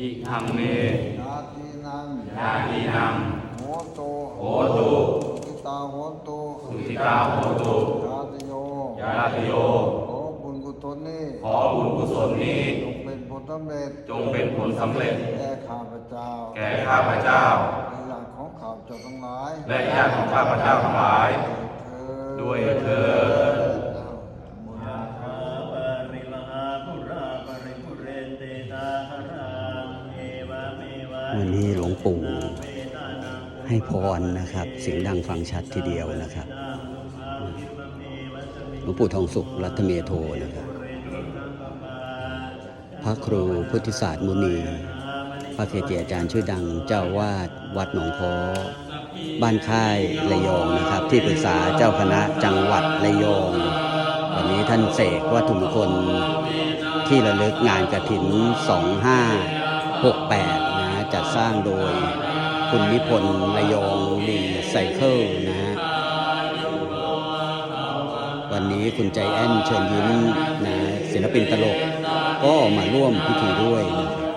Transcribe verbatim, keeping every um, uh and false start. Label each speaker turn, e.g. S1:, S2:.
S1: อิทัมเม
S2: ญาตินัง
S1: ญาตินัง
S2: โหตุ
S1: โหตุ
S2: ทิตาโหตุ
S1: สุติกาโหตุ
S2: ญาติโย
S1: ญาติโย
S2: ขอบุญกุศลนี้
S1: ขอบุญกุศลนี้
S2: จงเป็นผลสำเร็จ
S1: จงเป็นผลสำเร็จ
S2: แก่ข้าพเจ้า
S1: แก่ข้าพเจ้า
S2: และญาติของข้าพเจ้าทั้งหลาย
S1: และญาติของข้าพเจ้าทั้งหลายด้วยเถิด
S3: วันนี้หลวงปู่ให้พรนะครับเสียงดังฟังชัดทีเดียวนะครับหลวงปู่ทองสุขรัตเมโทนะครับพระครูพุทธิศาสตร์มุนีพระเกจิอาจารย์ชื่อดังเจ้าวาดวัดหนองพอบ้านค่ายระยองนะครับที่ปรึกษาเจ้าคณะจังหวัดระยองวันนี้ท่านเสกวัตถุมงคลที่ระลึกงานกฐินสองห้าหกแปดนะจัดสร้างโดยคุณนิพนธ์ระยองรีไซเคิลนะฮะวันนี้คุณใจแอนเชิญยิ้มนะศิลปินตลกก็มาร่วมพิธีด้วยนะครับ